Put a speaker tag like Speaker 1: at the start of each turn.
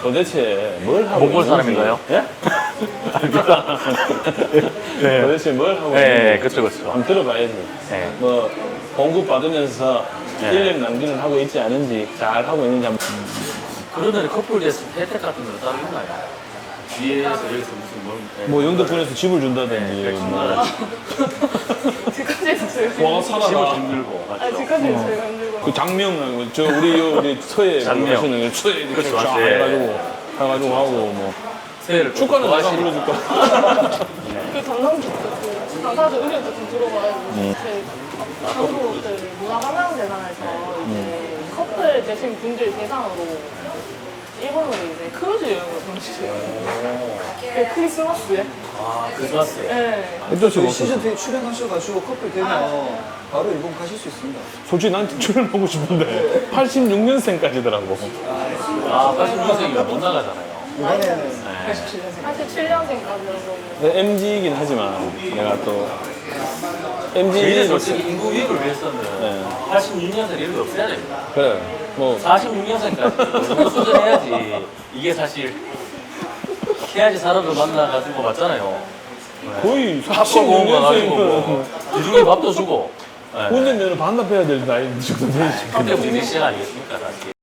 Speaker 1: 도대체 뭘 하고
Speaker 2: 몽골
Speaker 1: 있는지.
Speaker 2: 사람인가요?
Speaker 1: 예?
Speaker 2: 네.
Speaker 1: 도대체 뭘 하고 있는지
Speaker 2: 네, 그쵸, 그쵸.
Speaker 1: 한번 들어봐야지.
Speaker 2: 네.
Speaker 1: 뭐 공급 받으면서
Speaker 2: 네.
Speaker 1: 인력 낭비를 하고 있지 않은지, 잘 하고 있는지 한번.
Speaker 2: 그러면 커플 됐을 때 혜택 같은 거 따로 있나요? 뒤에서 여기서 무슨 뭘.
Speaker 1: 뭐 영등포에서 집을 준다든지
Speaker 2: 네,
Speaker 1: 뭐
Speaker 3: 집까지 제일
Speaker 1: 와
Speaker 2: 집을
Speaker 1: 살아라.
Speaker 2: 좀 들고.
Speaker 3: 아,
Speaker 2: 맞죠?
Speaker 3: 집까지 제일 힘들고.
Speaker 1: 그 장명 저 우리 서해
Speaker 2: 장명.
Speaker 1: 가시는 서해 이렇게
Speaker 2: 그렇죠,
Speaker 1: 쫙
Speaker 2: 맞아요.
Speaker 1: 해가지고 하고 뭐
Speaker 2: 새해를
Speaker 1: 축가는 내가
Speaker 2: 좋아하시니까.
Speaker 1: 불러줄까?
Speaker 3: 그 전남북도 그 당사자 의견도 좀 들어봐가지고 그 한국들 문화관광재단에서 이제 커플 되신 분들 대상으로 일본으로 이제 크루즈 여행을 보내주세요. 그 크리스마스에.
Speaker 2: 아, 크리스마스에.
Speaker 3: 네.
Speaker 1: 어쩔 수가
Speaker 4: 저희
Speaker 1: 없어.
Speaker 4: 시즌 2 출연하셔가지고 커플 되면 바로 일본 가실 수 있습니다.
Speaker 1: 솔직히 난 출연하고 싶은데 86년생까지더라고.
Speaker 2: 아, 86년생이면 못 나가잖아요.
Speaker 4: 이번에는
Speaker 3: 87년생까지라서.
Speaker 1: MG이긴 하지만 내가 또
Speaker 2: 저희는
Speaker 1: MG
Speaker 2: 솔직히 인구 유입을 위해서는
Speaker 1: 네.
Speaker 2: 86년생 이런 게 없애야 됩니다.
Speaker 1: 그래 뭐
Speaker 2: 46년생까지 정도 수준해야지 이게 사실 해야지 사람을 만나가지고 맞잖아요.
Speaker 1: 거의
Speaker 2: 합법공원 가가지고
Speaker 1: 46년생이면
Speaker 2: 뭐 기둥에 밥도 주고. 네.
Speaker 1: 운전면허 반납해야 될 나이 정도 되지.
Speaker 2: 그때부터 이제 시작 아니겠습니까 사실.